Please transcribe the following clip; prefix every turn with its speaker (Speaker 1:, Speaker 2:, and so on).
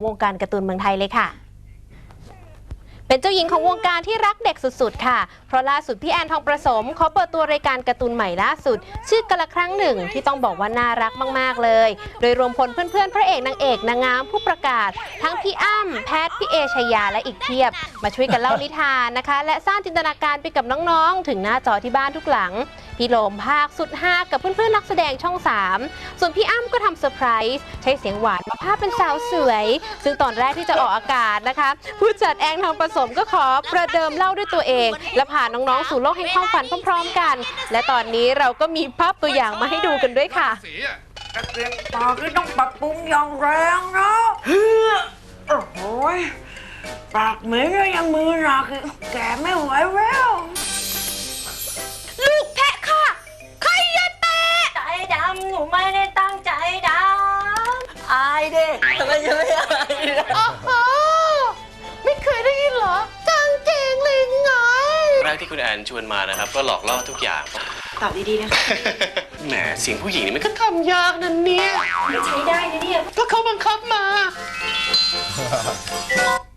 Speaker 1: วงการการ์ตูนเมืองไทยเลยค่ะเป็นเจ้าหญิงของวงการที่รักเด็กสุดๆค่ะเพราะล่าสุดพี่แอนทองประสมเขาเปิดตัวรายการการ์ตูนใหม่ล่าสุดชื่อกะละครั้งหนึ่งที่ต้องบอกว่าน่ารักมากๆเลยโดยรวมพลเพื่อนๆพระเอกนางเอกนางงามผู้ประกาศทั้งพี่อ้ำแพทพี่เอชยาและอีกเพียบมาช่วยกันเล่านิทานนะคะและสร้างจินตนาการไปกับน้องๆถึงหน้าจอที่บ้านทุกหลังพี่โลมภาคสุดฮากับเพื่อนๆนักแสดงช่อง3ส่วนพี่อ้ำก็ทำเซอร์ไพรส์ใช้เสียงหวานมาภาพเป็นสาวสวยซึ่งตอนแรกที่จะออกอากาศนะคะผู้จัดแอนทองประสมก็ขอประเดิมเล่าด้วยตัวเองและพาน้องๆสู่โลกแห่งความฝันพร้อมๆกันและตอนนี้เราก็มีภาพตัวอย่างมาให้ดูกันด้วยค่ะ
Speaker 2: กระเตียงตาคือต้องปรับปรุงอย่างแรงนะโอ้โหปากเหม็นยังมือหนักแกไม่ไหวแล้ว
Speaker 1: ลูกแพะค่ะใครอย่าแตะ
Speaker 3: ใจดำหนูไม่ได้ตั้งใจดำอายเด็กทำไมจะไม่อาย
Speaker 1: อ๋อไม่เคยได้ยินเหรอกางเกงลิงไง
Speaker 4: แรกที่คุณแอนชวนมานะครับก็หลอกล่อทุกอย่าง
Speaker 3: ตอบดีๆนะคะ
Speaker 4: แหมเสียงผู้หญิงนี่มันก็ทำยากนั่นเนี่ย
Speaker 3: ใช้ได้นะเนี่ย
Speaker 4: ก็เขาบังคับมา